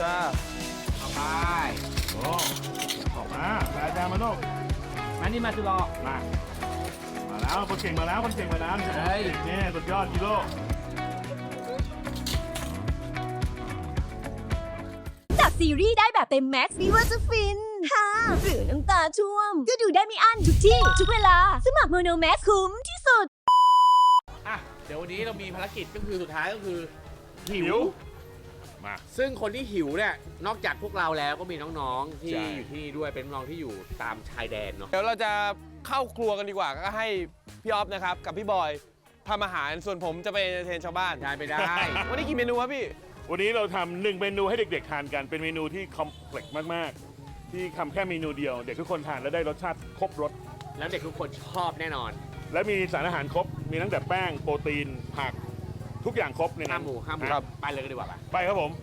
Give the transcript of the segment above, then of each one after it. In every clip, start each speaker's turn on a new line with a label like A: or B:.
A: จ้า
B: เอาไป
C: โอ้ออกมาแปดแดงมาลูก
B: มานี่มาจุลอ
C: มาแล้วคนเก่งมาแล้วคนเก่งมาแล้วนี่สุดยอดกิโล
D: จากซีรีส์ได้แบบเต็มแม็กซ์ไม่ว่าจะฟินฮ่าหรือน้ำตาช่วมก็ดูได้ไม่อั้นทุกที่ทุกเวลาสมัครโมโนแม็กซ์คุ้มที่สุด
B: อ่ะเดี๋ยววันนี้เรามีภารกิจก็คือสุดท้ายก็คือหิว
C: มา
B: ซึ่งคนที่หิวเนี่ยนอกจากพวกเราแล้วก็มีน้องๆที่อยู่ที่นี่ด้วยเป็นน้องที่อยู่ตามชายแดนเนาะ
A: เดี๋ยวเราจะเข้าครัวกันดีกว่าก็ให้พี่ออฟนะครับกับพี่บอยทำอาหารส่วนผมจะไปเทรนชาวบ้าน
B: ได้ไปได้
A: วันนี้กี่เมนูครับพี่
C: วันนี้เราทำ1เมนูให้เด็กๆทานกันเป็นเมนูที่คอมเพล็กซ์มากๆที่ทำแค่เมนูเดียวเด็กทุกคนทานแล้วได้รสชาติครบรส
B: แล้วเด็กทุกคนชอบแน่นอน
C: และมีสารอาหารครบมีตั้งแต่แป้งโปรตีนผักทุกอย่างครบในนั้น
B: ห้ามหมูไปเลยก็ดีกว่า
C: ไปครับผม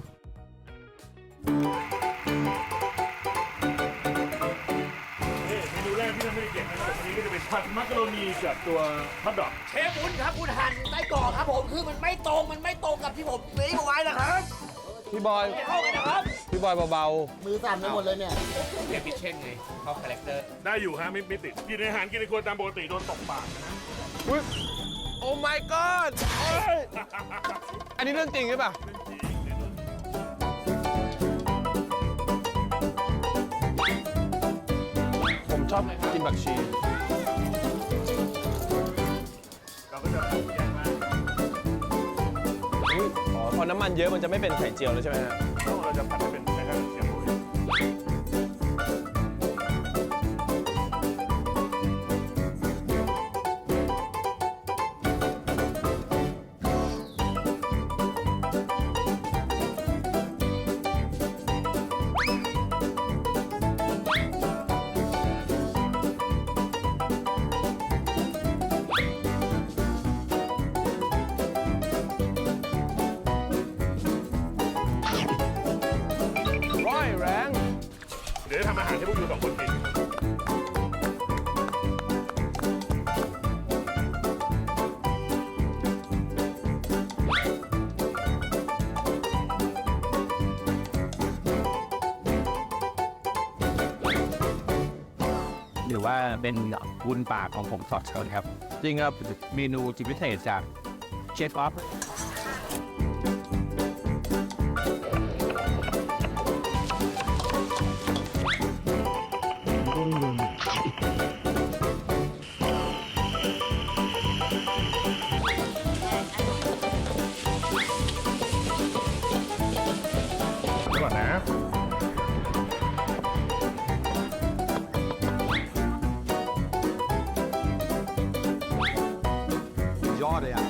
C: เมนูแรกที่ทำให้เด็กๆนะครับวันนี้ก็จะเป็นผัดมักกะโรนีกับตัวฮอทดอก
B: เชฟบุญครับคุณหั่นไส้กรอกครับผมคือมันไม่ตรงกับที่ผมซื้อเอาไว้นะครับ
A: พี่บอย
B: เข้ากันนะครับ
A: พี่บอยเบา
B: ๆมือสั่นไปหมดเลยเนี่ยเปลี่ยนพิชเช่นไงเขาคาแรคเตอร์
C: ได้อยู่ฮะไม่ติดกินอาหารกินในครัวตามปกติโดนตบปากนะ
A: อุ๊ยโอ้ my god อันนี้เรื่องจริงใช่ป่ะผมชอบกินผักชี
C: เราก็จะแยกมา
A: พอน้ำมันเยอะมันจะไม่เป็นไข่เจียวแล้วใช่ไหมฮะ
C: เราจะผัดให้เป็นแค่ไข่เจียว
A: แรง
C: เดี๋ยวจะทำอาหารให้พวกอยู่2คนกิน
E: หรือว่าเป็นวุ้นปากของผมสอดเชิญครับ
A: จริงครับ
E: เมนูจิตวิเศษจากเชฟออฟ
C: ก่อนนะ
A: ยอดเลยอ่ะ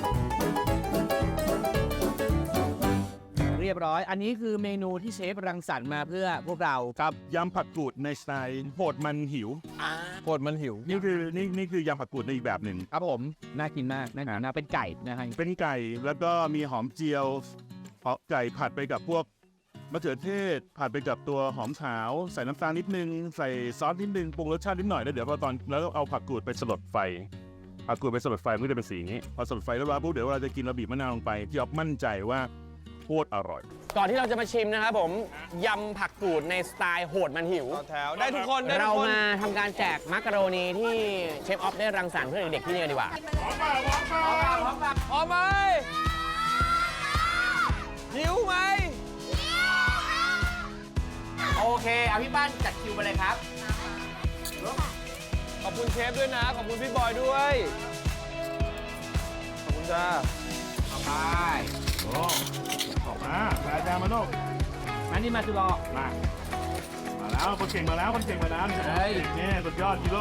E: เรียบร้อยอันนี้คือเมนูที่เชฟรังสรรค์มาเพื่อพวกเรา
C: ครับยำผักกูดในสไตล์โหดมันหิว
A: โหดมันหิว
C: นี่คือยำผักกูดในอีกแบบหนึ่ง
E: ครับผมน่ากินมากน่าเป็นไก่นะฮะ
C: เป็นไก่แล้วก็มีหอมเจียวไก่ผัดไปกับพวกมะเขือเทศผัดไปกับตัวหอมขาวใส่น้ำตาลนิดนึงใส่ซอสนิดนึงปรุงรสชาตินิดหน่อยแล้วเดี๋ยวพอตอนแล้วเอาผักกูดไปสลดไฟผักกูดไปสลดไฟมันก็จะเป็นสีนี้พอสลดไฟแล้วปุ๊บเดี๋ยวเราจะกินเราบีบมะนาวลงไปพี่อ๊อฟมั่นใจว่าโคตรอร่อย
A: ก่อนที่เราจะมาชิมนะครับผมยำผักกูดในสไตล์โหดมันหิวแถวได้ทุกคน
B: เรามาทำการแจกมักกะโรนีที่เชฟออฟได้รังสรรค์เพื่อเด็กๆที่นี่ดีกว่า
A: พร้อมไหมหิวไหม
B: โอเคเอาพี่ป้านจัดคิวไปเลยครับ
A: ขอบคุณเชฟด้วยนะขอบคุณพี่บอยด้วยขอบคุณจ้า
B: เอาไป
C: ออกมาแปดแดงมาลูก
B: มานี่มาจุลอ
C: มาแล้วคนเก่งมาแล้วนี่สุดยอดกิโล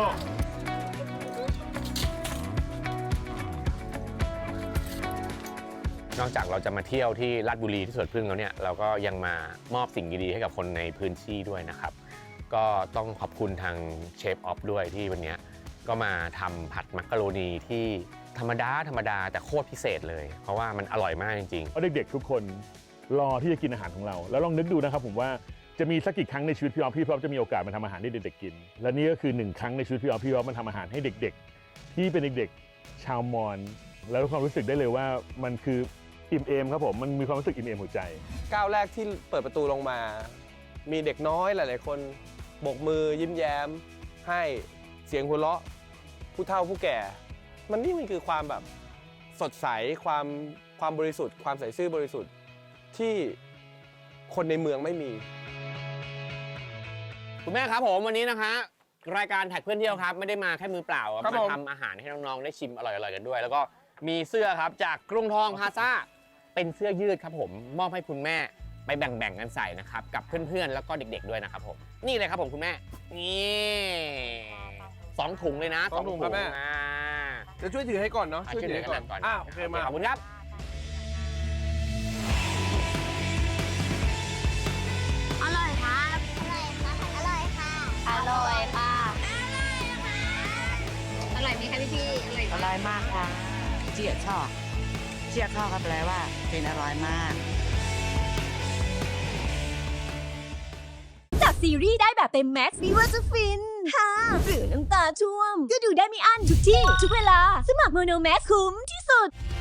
B: นอกจากเราจะมาเที่ยวที่ลาดบุรีที่สวนผึ้งแล้วเนี่ยเราก็ยังมามอบสิ่งดีๆให้กับคนในพื้นที่ด้วยนะครับก็ต้องขอบคุณทางเชฟออฟด้วยที่วันนี้ก็มาทำผัดมักกะโรนีที่ธรรมดาแต่โคตรพิเศษเลยเพราะว่ามันอร่อยมากจริง
C: ๆเด็กๆทุกคนรอที่จะกินอาหารของเราแล้วลองนึกดูนะครับผมว่าจะมีสักกี่ครั้งในชีวิตพี่ออฟจะมีโอกาสมาทำอาหารให้เด็กๆกินและนี่ก็คือ1ครั้งในชีวิตพี่ออฟมันทำอาหารให้เด็กๆที่เป็นเด็กๆชาวมอญแล้วความรู้สึกได้เลยว่ามันคืออิ่มเอมครับผมมันมีความรู้สึกอิ่มเอมหัวใจ
A: ก้าวแรกที่เปิดประตูลงมา มีเด็กน้อยหลาย ๆ คนโบกมือยิ้มแย้ม ให้เสียงหัวเราะ ผู้เฒ่าผู้แก่ มันคือความแบบสดใสความบริสุทธิ์ ความใสซื่อบริสุทธิ์ที่คนในเมืองไม่มี
B: คุณแม่ครับผมวันนี้นะคะรายการแท็กเพื่อนเที่ยวครับไม่ได้มาแค่มือเปล่า
A: ครับ
B: มา
A: ผม
B: ทำอาหารให้น้องๆได้ชิมอร่อยๆกันด้วย แล้วก็มีเสื้อครับจากกรุงทองพลาซ่าเป็นเสื้อยืดครับผมมอบให้คุณแม่ไปแบ่งๆกันใส่นะครับกับเพื่อนๆแล้วก็เด็กๆด้วยนะครับผมนี่เลยครับผมคุณแม่นี่2 ถุงเลยนะ
A: สองถุงครับแม่ จะช่วยถือให้ก่อนเนาะ
B: ช่วยถือกันก่อน
A: โอเคมา
B: ขอบคุณครับ
F: อร่อยครับ อร่อยค่ะ อร่อยค่ะ อร่อยค่ะ อร่อยไหมคะพี่อร่อย
G: อร่อยมากค่ะ เจี๊ยชอบเจี๊ยชอบก็แปลว่าเป็นอร่อยมาก
D: จากซีรีส์ได้แบบเต็มแม็กซ์ไม่ว่าจะฟินฮ่าหรือน้ำตาช่วม ก็ดูได้ไม่อั้นทุกที่ ทุกเวลา สมัครโมโนแม็กคุ้มที่สุด